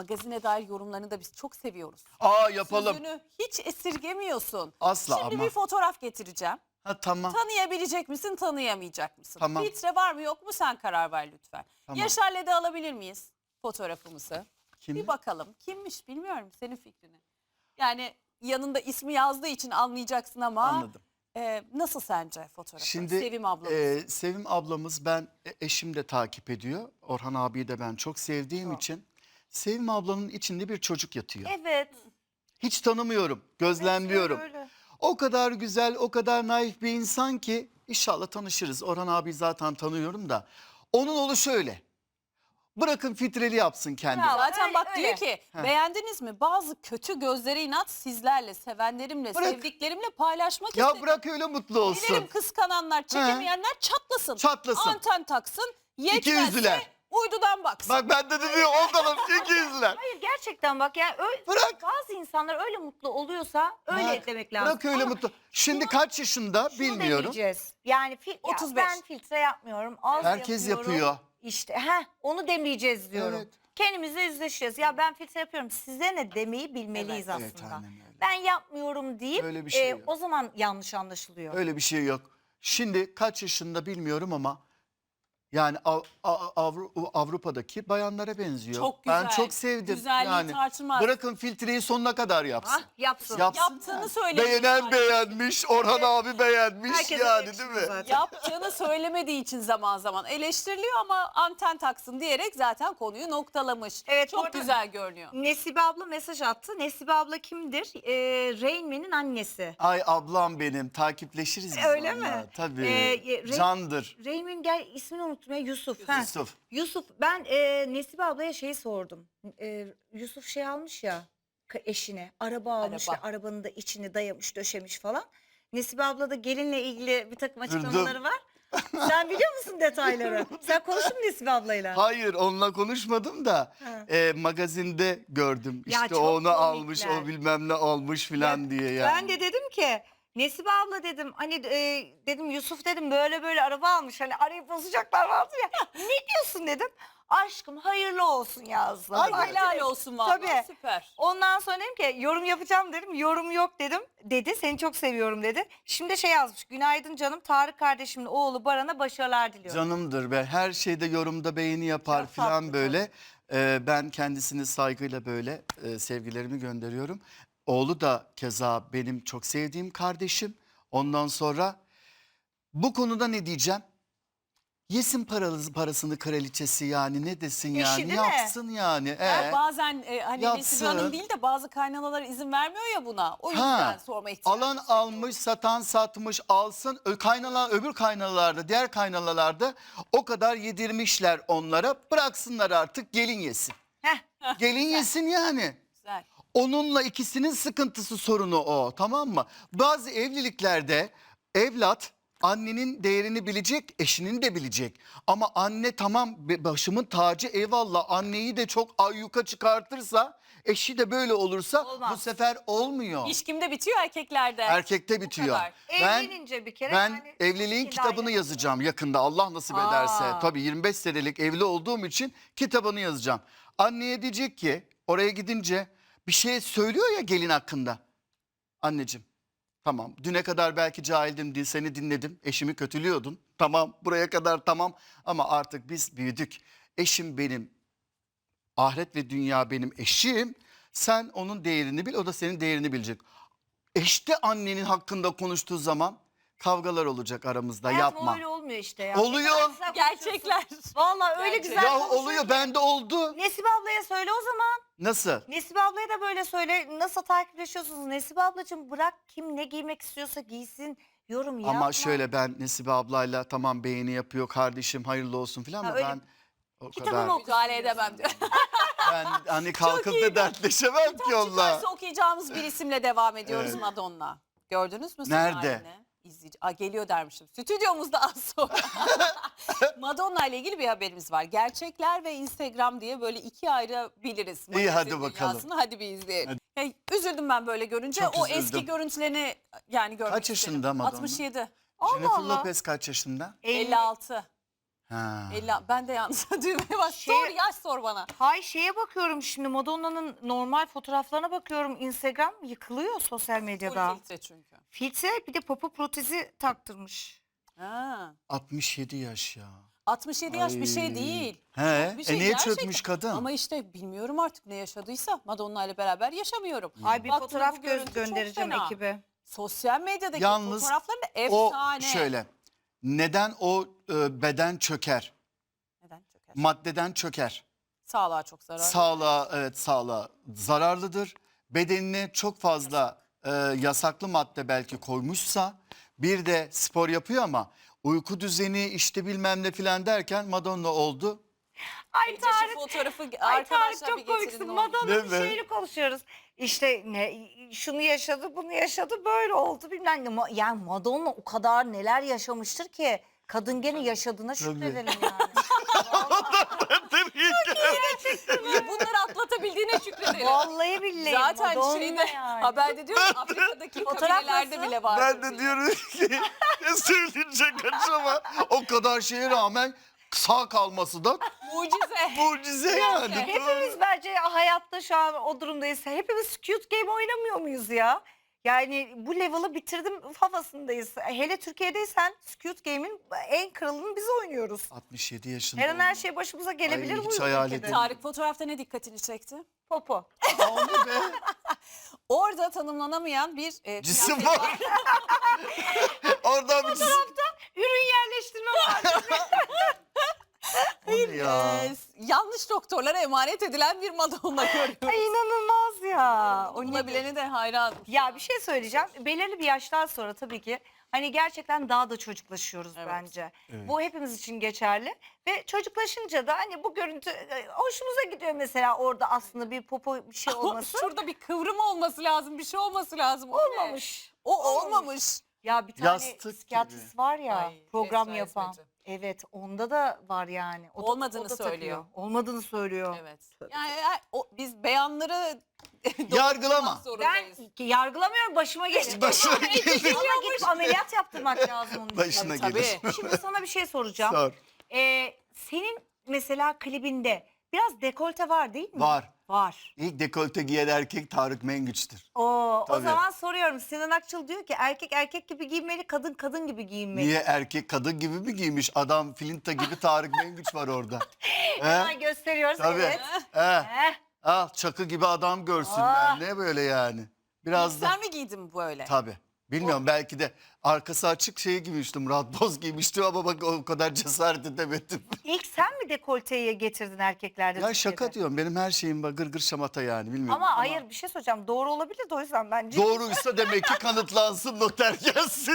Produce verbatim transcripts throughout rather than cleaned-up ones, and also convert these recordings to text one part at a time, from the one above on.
magazine dair yorumlarını da biz çok seviyoruz. Aa yapalım. Sözünü hiç esirgemiyorsun. Asla Şimdi ama. bir fotoğraf getireceğim. Ha tamam. Tanıyabilecek misin, tanıyamayacak mısın? Tamam. Filtre var mı yok mu sen karar ver lütfen. Tamam. Yaşar'la da alabilir miyiz fotoğrafımızı? Kim? Bir bakalım. Kimmiş bilmiyorum, senin fikrini. Yani yanında ismi yazdığı için anlayacaksın ama. Anladım. E, nasıl sence fotoğrafı? Şimdi Sevim ablamız. e, Sevim ablamız, ben e, eşim de takip ediyor. Orhan abiyi de ben çok sevdiğim Çok. için. Sevim ablanın içinde bir çocuk yatıyor. Evet. Hiç tanımıyorum, gözlemliyorum. Evet, öyle, öyle. O kadar güzel, o kadar naif bir insan ki inşallah tanışırız. Orhan abi zaten tanıyorum da. Onun oğlu şöyle. Bırakın filtreli yapsın kendini. Bravo. Zaten Öyle, bak öyle. diyor ki Heh. beğendiniz mi? Bazı kötü gözlere inat sizlerle, sevenlerimle, Bırak. sevdiklerimle paylaşmak Ya istedim. bırak öyle mutlu olsun. Dilerim kıskananlar, çekemeyenler çatlasın. Çatlasın. Anten taksın. İkiyüzlüler. Yetmezse uydudan baksın. Bak ben de diyor ondan iki yüzler. Hayır gerçekten bak yani öyle, Bırak. bazı insanlar öyle mutlu oluyorsa öyle Bırak, demek lazım. Bırak öyle Ama mutlu. Şimdi şunu- kaç yaşında şunu bilmiyorum. demeyeceğiz. Yani fil, ya otuz beş. ben filtre yapmıyorum. Az Herkes yapıyorum. yapıyor. İşte heh, onu demeyeceğiz diyorum. Evet. Kendimizle yüzleşeceğiz. Ya ben filtre yapıyorum. Size ne demeyi bilmeliyiz Evet. Evet, aslında. aynen öyle. Ben yapmıyorum deyip Öyle bir şey e, yok. o zaman yanlış anlaşılıyor. Öyle bir şey yok. Şimdi kaç yaşında bilmiyorum ama yani Av- Av- Avru- Avrupa'daki bayanlara benziyor. Çok Ben güzel. çok sevdim. Güzelliği yani tartılmaz. bırakın filtreyi sonuna kadar yapsın. Ah, yapsın. Yapsın Yaptığını yani. söyle. Beğenen beğenmiş, Orhan abi beğenmiş Herkese yani yakışıyor değil mi? zaten. Yaptığını söylemediği için zaman zaman eleştiriliyor ama anten taksın diyerek zaten konuyu noktalamış. Evet, bu Çok arada- güzel görünüyor. Nesibe abla mesaj attı. Nesibe abla kimdir? Ee, Rain Man'in annesi. Ay ablam benim, takipleşiriz biz Öyle onunla. mi? Tabii. Ee, Re- Candır. Rain Man gel ismini unuttum ya Yusuf. Ha. Yusuf. Yusuf ben e, Nesibe ablaya şeyi sordum. E, Yusuf şey almış ya k- eşine araba almış Araba. ve arabanın da içini dayamış döşemiş falan. Nesibe abla da gelinle ilgili bir takım Durdum. açıklamaları var. Sen biliyor musun detayları? Sen konuştun mu Nesibe ablayla? Hayır onunla konuşmadım da Ha. e, magazinde gördüm. Ya İşte çok onu almış, komikler. o bilmem ne almış filan Ya, diye yani. Ben de dedim ki Nesibe abla dedim hani e, dedim Yusuf dedim böyle böyle araba almış hani arayıp bozacaklar vardı ya. Ne diyorsun dedim. Aşkım hayırlı olsun yazdı. Ay, Bak, Helal direkt. olsun vallahi, Tabii. süper. Ondan sonra dedim ki yorum yapacağım dedim. Yorum yok dedim. Dedi seni çok seviyorum dedi. Şimdi şey yazmış. Günaydın canım Tarık kardeşimin oğlu Baran'a başarılar diliyorum. Canımdır ve her şeyde yorumda beğeni yapar Çok filan tatlı, böyle. Ee, ben kendisini saygıyla böyle e, sevgilerimi gönderiyorum. Oğlu da keza benim çok sevdiğim kardeşim. Ondan sonra bu konuda ne diyeceğim? Yesin paralı, parasını kraliçesi yani ne desin Eşi yani değil mi? yapsın yani. Ya Ee, bazen e, hani yapsın. Nesibe Hanım değil de bazı kaynanalar izin vermiyor ya buna. O yüzden Ha, sorma ihtiyacı alan hissediyorum. almış, satan satmış, alsın. Ö- Kaynana, öbür kaynanalarda, diğer kaynanalarda o kadar yedirmişler onlara. Bıraksınlar artık gelin yesin. Heh. Gelin yesin yani. Güzel. Onunla ikisinin sıkıntısı, sorunu o, tamam mı? Bazı evliliklerde evlat annenin değerini bilecek, eşinin de bilecek. Ama anne tamam be- başımın tacı eyvallah, anneyi de çok ayyuka çıkartırsa, eşi de böyle olursa Olmaz. bu sefer olmuyor. İş kimde bitiyor? Erkeklerde. Erkekte bitiyor. kadar. Ben Evlenince bir kere ben yani evliliğin iki kitabını daire- yazacağım yakında, Allah nasip Aa. ederse. Tabii yirmi beş senelik evli olduğum için kitabını yazacağım. Anneye diyecek ki oraya gidince bir şey söylüyor ya gelin hakkında. Anneciğim tamam, düne kadar belki cahildim diye seni dinledim, eşimi kötülüyordun. Tamam, buraya kadar tamam ama artık biz büyüdük. Eşim benim, ahiret ve dünya benim eşim. Sen onun değerini bil, o da senin değerini bilecek. Eşte annenin hakkında konuştuğu zaman kavgalar olacak aramızda, Hayatım yapma. öyle olmuyor işte ya. Oluyor. Ne kadar güzel Gerçekler. konuşuyorsun. Vallahi öyle Gerçek. güzel Ya konuşuyorsun oluyor, ki. bende oldu. Nesibe ablaya söyle o zaman. Nasıl? Nesibe ablaya da böyle söyle. Nasıl takipleşiyorsunuz? Nesibe ablacığım bırak kim ne giymek istiyorsa giysin. Yorum yapma. Ama şöyle, ben Nesibe ablayla tamam beğeni yapıyor, kardeşim hayırlı olsun filan Ha, ama öyle. ben o Kitabını kadar, oku. Müdahale edemem diyor. ben hani kalkıp iyi. da dertleşemem ki onunla. Çıkarsa okuyacağımız bir isimle devam ediyoruz, Evet. Madonna. Gördünüz mü? Nerede? halini? İzleyici. Aa, geliyor dermişim. Stüdyomuzda az sonra. Madonna ile ilgili bir haberimiz var. Gerçekler ve Instagram diye böyle ikiye ayırabiliriz. İyi, hadi magazin bakalım. dünyasını. Hadi bir izleyelim. Ya, üzüldüm ben böyle görünce. Çok o üzüldüm. eski görüntülerini yani görmek Kaç istedim. yaşında Madonna? altmış yedi. Allah Jennifer Allah. Lopez kaç yaşında? elli altı. Ha. elli, ben de yalnız düğmeye bas. Şey- Sor yaş sor bana. Hay şeye bakıyorum şimdi, Madonna'nın normal fotoğraflarına bakıyorum. Instagram yıkılıyor sosyal Full medyada. filtre çünkü. Filtre, bir de popo protezi taktırmış. Ha. altmış yedi yaş ya. altmış yedi yaş bir şey Ay. değil. He, Bir şey e niye gerçekten. çökmüş kadın? Ama işte bilmiyorum artık ne yaşadıysa Madonna ile beraber yaşamıyorum. Ay bir Baktım fotoğraf bu göz görüntü çok göndereceğim fena. ekibe. Sosyal medyadaki Yalnız fotoğrafları da O efsane. şöyle. Neden o e, beden çöker? Neden çöker? Maddeden çöker. Sağlığa çok zararlı. Sağlığa, evet, sağlığa zararlıdır. Bedenine çok fazla e, yasaklı madde belki koymuşsa, bir de spor yapıyor ama uyku düzeni işte bilmem ne filan derken Madonna oldu. Ay Gece şu Tarık, fotoğrafı ay Tarık arkadaşlar bir çok getirin komiksin. ne olur. Madonna Değil bir mi? şeyini konuşuyoruz. İşte ne, şunu yaşadı, bunu yaşadı, böyle oldu bilmem ne. Ma- Yani Madonna o kadar neler yaşamıştır ki. Kadın gene yaşadığına şükredelim yani. Ya bunları atlatabildiğine şükredelim. Vallahi billahi Zaten Madonna şeyde yani. haberde diyor ki Afrika'daki Fotoğraf kabilelerde nasıl? bile var. Ben de diyorum ki ne söyleyecek acaba? O kadar şeye rağmen sağ kalması da Mucize. mucize yani. Hepimiz bence hayatta şu an o durumdayız. Hepimiz Squid Game oynamıyor muyuz ya? Yani bu level'ı bitirdim havasındayız. Hele Türkiye'deysen Squid Game'in en kralını biz oynuyoruz. altmış yedi yaşında. Her an her şey başımıza gelebilir Ay, bu hiç hayal ülkede. edemiyorum. Tarık fotoğrafta ne dikkatini çekti? Popo. O ne be? Orada tanımlanamayan bir e, Cisim kıyafet var. Oradan bir cisim. Ürün yerleştirme var. O ne ya? E, yanlış doktorlara emanet edilen bir Madonna görüyoruz. Ay inanılmaz ya. O Ona nedir? bileni de hayran. Ya bir şey söyleyeceğim. Belirli bir yaştan sonra tabii ki hani gerçekten daha da çocuklaşıyoruz Evet. bence. Evet. Bu hepimiz için geçerli. Ve çocuklaşınca da hani bu görüntü e, hoşumuza gidiyor mesela, orada aslında bir popo bir şey Ama olması. şurada bir kıvrım olması lazım, bir şey olması lazım. O ne? Olmamış. O Olmamış. olmamış. Ya bir tane Yastık psikiyatrist var ya, Ay, program Esra yapan. Hizmet'i. Evet, onda da var yani. O da- Olmadığını o da söylüyor. takıyor. Olmadığını söylüyor. Evet. Yani e, o, biz beyanları Yargılama. doğrulamak zorundayız. Ben yargılamıyorum, başıma gelir. Başına gelir. Ama gidip ameliyat yaptırmak lazım onun için. Başına Tabii, gelir. tabii. Şimdi sana bir şey soracağım. Sor. Ee, senin mesela klibinde biraz dekolte var değil mi? Var. Var. İlk dekolte giyen erkek Tarık Mengüç'tür. Oo, o Tabii. zaman soruyorum. Sinan Akçıl diyor ki erkek erkek gibi giyinmeli, kadın kadın gibi giyinmeli. Niye erkek kadın gibi mi giymiş? Adam Filinta gibi Tarık Mengüç var orada. Hemen He? gösteriyoruz. Tabii. Evet. He. Heh. Al çakı gibi adam görsünler. Ah. Ne böyle yani? Biraz da Sen mi giydin böyle? tabii. Bilmiyorum, belki de arkası açık şey giymiştim. Murat Boz giymiştim ama bak o kadar cesaret edemedim. İlk sen mi dekolteyi getirdin erkeklerde? Ya Türkiye'de? şaka diyorum. Benim her şeyim bak gır gır şamata yani, bilmiyorum. Ama hayır, bir şey söyleyeceğim. Doğru olabilir de o yüzden bence. Doğruysa demek ki kanıtlansın, noter gelsin.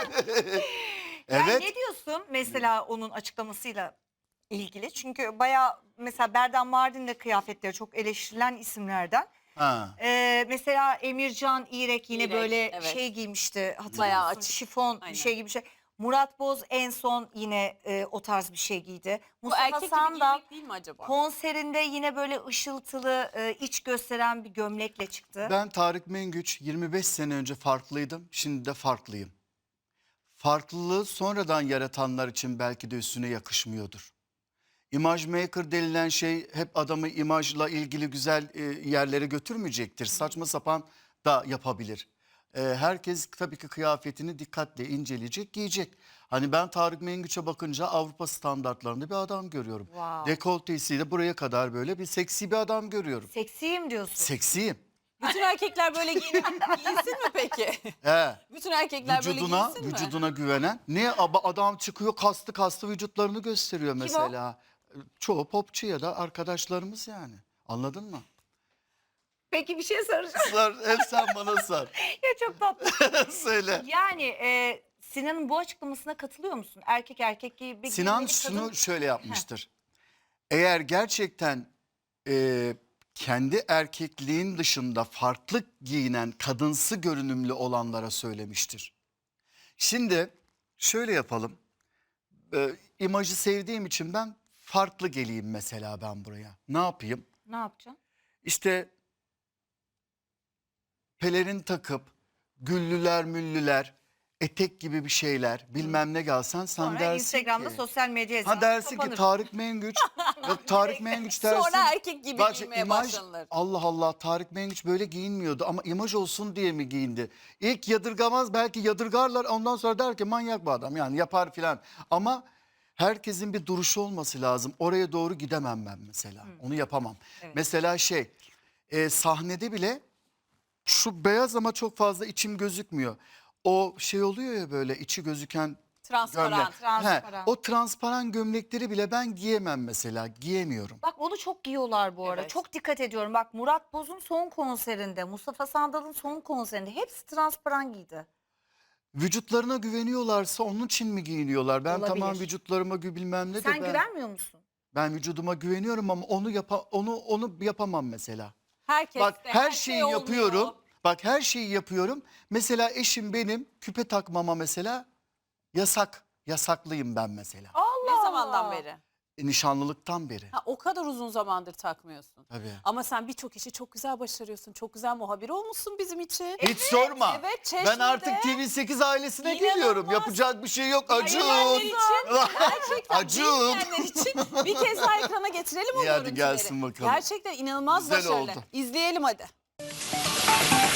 Yani Evet. ne diyorsun mesela onun açıklamasıyla ilgili? Çünkü bayağı mesela Berdan Mardin de kıyafetleri çok eleştirilen isimlerden. Ha. Ee, mesela Emircan İrek yine İrek, böyle evet. şey giymişti. Hatırlıyor Bayağı musun? açık. Şifon Aynen. bir şey gibi bir şey. Murat Boz en son yine e, o tarz bir şey giydi. Bu Mustafa erkek gibi Sandal giymek değil mi acaba? konserinde yine böyle ışıltılı, e, iç gösteren bir gömlekle çıktı. Ben Tarık Mengüç yirmi beş sene önce farklıydım. Şimdi de farklıyım. Farklılığı sonradan yaratanlar için belki de üstüne yakışmıyordur. İmaj maker denilen şey hep adamı imajla ilgili güzel e, yerlere götürmeyecektir. Saçma sapan da yapabilir. E, herkes tabii ki kıyafetini dikkatle inceleyecek, giyecek. Hani ben Tarık Mengüç'e bakınca Avrupa standartlarında bir adam görüyorum. Wow. Dekoltesiyle buraya kadar böyle bir seksi bir adam görüyorum. Seksiyim diyorsun. Seksiyim. Bütün erkekler böyle giyinip giyinsin mi peki? He. Bütün erkekler Vücuduna, böyle giyinsin mi? vücuduna güvenen. Niye Aba- adam çıkıyor kaslı kaslı vücutlarını gösteriyor mesela. Çoğu popçu ya da arkadaşlarımız yani. Anladın mı? Peki bir şey soracağım. Sor, hep sen bana sor. Ya çok tatlı. Söyle. Yani e, Sinan'ın bu açıklamasına katılıyor musun? Erkek erkek gibi Sinan giyinmeli, şunu kadın- şöyle yapmıştır. Eğer gerçekten e, kendi erkekliğin dışında farklı giyinen kadınsı görünümlü olanlara söylemiştir. Şimdi şöyle yapalım. E, imajı sevdiğim için ben farklı geleyim mesela ben buraya. Ne yapayım? Ne yapacaksın? İşte pelerin takıp güllüler müllüler etek gibi bir şeyler bilmem ne gelsen sen Sonra dersin Instagram'da ki. sosyal medya hesabı Ha dersin kapanır. ki Tarık Mengüç. Yok Tarık Mengüç dersin. Sonra erkek gibi Bak, giymeye imaj, başlanılır. Allah Allah Tarık Mengüç böyle giyinmiyordu ama imaj olsun diye mi giyindi? İlk yadırgamaz, belki yadırgarlar, ondan sonra der ki manyak bu adam yani yapar filan. Ama herkesin bir duruşu olması lazım. Oraya doğru gidemem ben mesela. Onu yapamam. Evet. Mesela şey e, sahnede bile şu beyaz ama çok fazla içim gözükmüyor. O şey oluyor ya böyle içi gözüken Transparan. gömlek. transparan. He, o transparan gömlekleri bile ben giyemem mesela. Giyemiyorum. Bak onu çok giyiyorlar bu ara. Evet. Çok dikkat ediyorum. Bak Murat Boz'un son konserinde, Mustafa Sandal'ın son konserinde hepsi transparan giydi. Vücutlarına güveniyorlarsa onun için mi giyiniyorlar? Ben Olabilir. tamam vücutlarıma gü bilmem ne de Sen ben, güvenmiyor musun? ben vücuduma güveniyorum ama onu yapa, onu onu yapamam mesela. Herkes Bak de, her şey şeyi olmuyor. yapıyorum. Bak her şeyi yapıyorum. Mesela eşim benim küpe takmama mesela yasak. Yasaklıyım ben mesela. Allah Ne zamandan Allah. beri? E, nişanlılıktan beri. Ha, o kadar uzun zamandır takmıyorsun. Tabii. Ama sen birçok işi çok güzel başarıyorsun. Çok güzel muhabir olmuşsun bizim için. Hiç sorma. evet, ben Çeşme'de artık T V sekiz ailesine İnanılmaz. geliyorum. Yapacak bir şey yok. Acun. Dinleyenler için, gerçekten Acun. dinleyenler için bir kez daha ekrana getirelim o İyi, hadi görüntüleri. gelsin bakalım. Gerçekten inanılmaz Güzel başarılı. oldu. İzleyelim hadi.